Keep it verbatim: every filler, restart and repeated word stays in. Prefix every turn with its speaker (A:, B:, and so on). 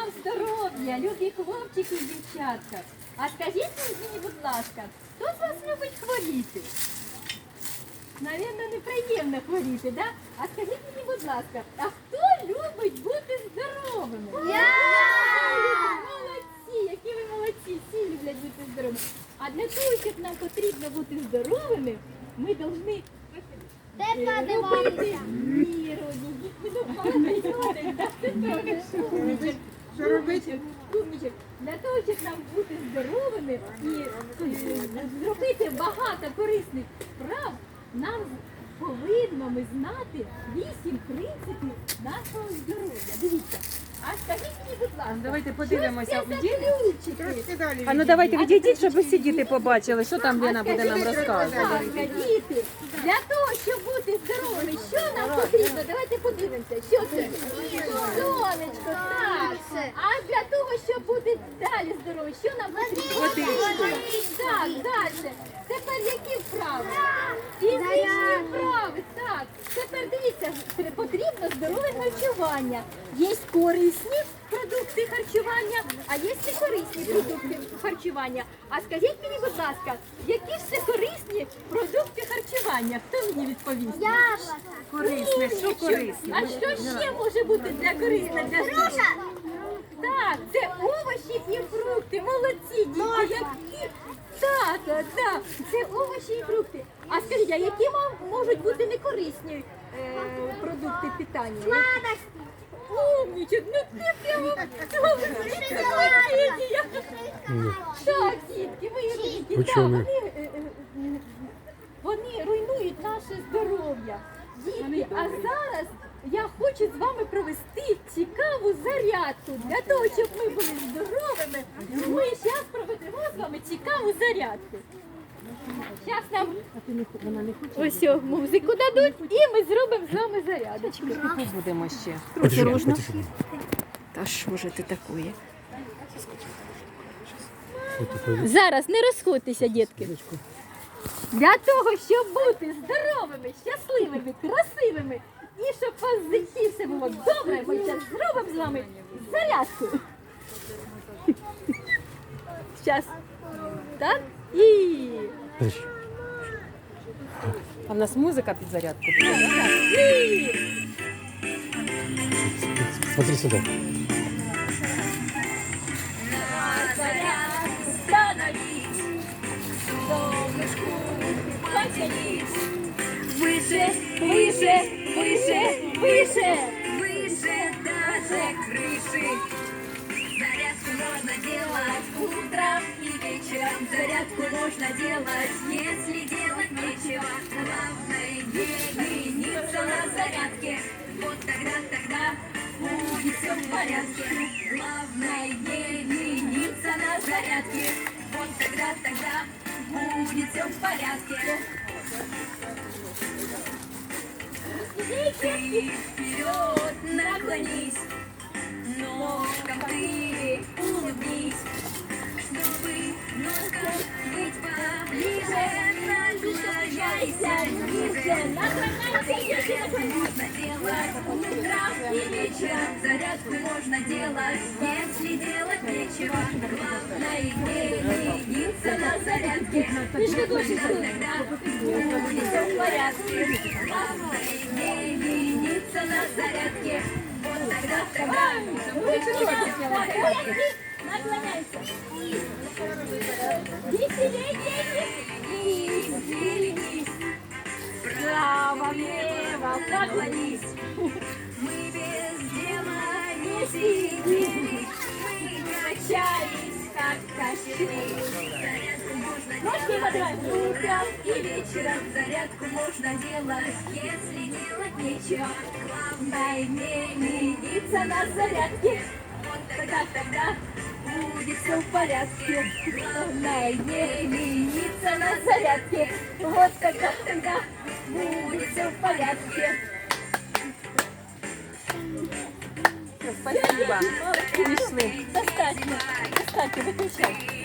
A: вам здоров'я, любі хлопчики і дівчатка. А скажіть мені, будь ласка, хто з вас любить хворіти? Навірно, неприємно хворіти, да? А скажіть мені, будь ласка, а хто любить бути здоровими?
B: Я!
A: Молодці, які ви молодці, всі люблять бути здоровими. А для того, щоб нам потрібно бути здоровими, ми повинні
B: Де
A: робити
B: подивимося?
A: міру. Що робити? Умничок. Для того, щоб нам бути здоровими і е, зробити багато корисних справ, нам повинно ми знати вісім принципів нашого здоров'я. Дивіться. А скажіть мені, будь ласка,
C: Давайте подивимося.
A: що це за ключики?
C: А ну давайте відійдіть, щоб усі діти побачили, що там Лена буде нам
A: Скажіть,
C: розказувати.
A: будь ласка, діти, для того, щоб бути здоровими, що нам потрібно? Давайте подивимося, що це? Сонечко, так. А для того, щоб бути далі здорові, що нам потрібно?
C: Водичку.
A: Так, далі. Тепер які вправи? Фізичні вправи, так. Тепер дивіться, потрібно здорове харчування. Є корисні продукти харчування, а є некорисні продукти харчування. А скажіть мені, будь ласка, які ж це корисні продукти харчування? Хто мені відповість?
B: Яблоко.
C: Корисне, що
A: Умничок.
C: корисне?
A: А що ще може бути для корисне для здоров'я? Так, це овочі і фрукти. Молодці, діти, які. Так, так, так, це овочі і фрукти. А скажіть, а які м- можуть бути некорисні е, продукти питання?
B: Сладості.
A: Умничок, ну ти прямо знаєте. Так, дітки, ви дітки, так, вони, е, е, м, вони руйнують наше здоров'я. Дітки, а зараз я хочу з вами провести цікаву зарядку. Для того, щоб ми були здоровими, ми зараз проведемо з вами цікаву зарядку. Зараз нам ось о, музику дадуть і ми зробимо з вами зарядочку.
C: Будемо ще.
D: Осторожно.
C: Та що ж це таке?
A: Зараз не розходьтеся, дітки. Для того, щоб бути здоровими, щасливими, красивими і щоб у вас в житті все було добре, ми зараз зробимо з вами зарядку. Зараз. Так? І...
C: А в нас музика під зарядку буде.
A: І...
D: Смотри сюда.
A: Зарядку становись, солнышку подтянись. Выше, выше, выше, выше.
E: Выше даже крыши. Зарядку можно делать утром и вечером. Зарядку можно делать, если делать нечего. Главное не лениться на зарядке. Вот тогда, тогда будет все в порядке. Главное не лениться на зарядке. Вот тогда, тогда будет все в порядке. Ты вперед наклонись, ножкам ты улыбнись, чтобы ножкам быть поближе. Наклоняйся ниже, наклоняйся. Можно делать утром и вечером. Зарядку можно делать, если делать нечего. Главное не лениться на зарядке. Тогда будет все в порядке. Главное не лениться на зарядке. Вот тогда, тогда будет все в порядке.
A: Наклоняйся. Веселей, дети.
E: Веселись,
A: Право, влево,
E: наклонись. Мы без дела не сидим. Мы качались, как качели. Зарядку можно
A: Ножки
E: делать
A: поднимаем.
E: утром и вечером. Зарядку можно делать, если делать нечего. Главное не лениться на зарядке. Вот тогда, тогда будет все в порядке.
A: Главное не лениться на зарядке. Вот тогда, тогда
E: Будет все в порядке.
C: Спасибо. Пішли.
A: достатньо. Достатньо, виключай.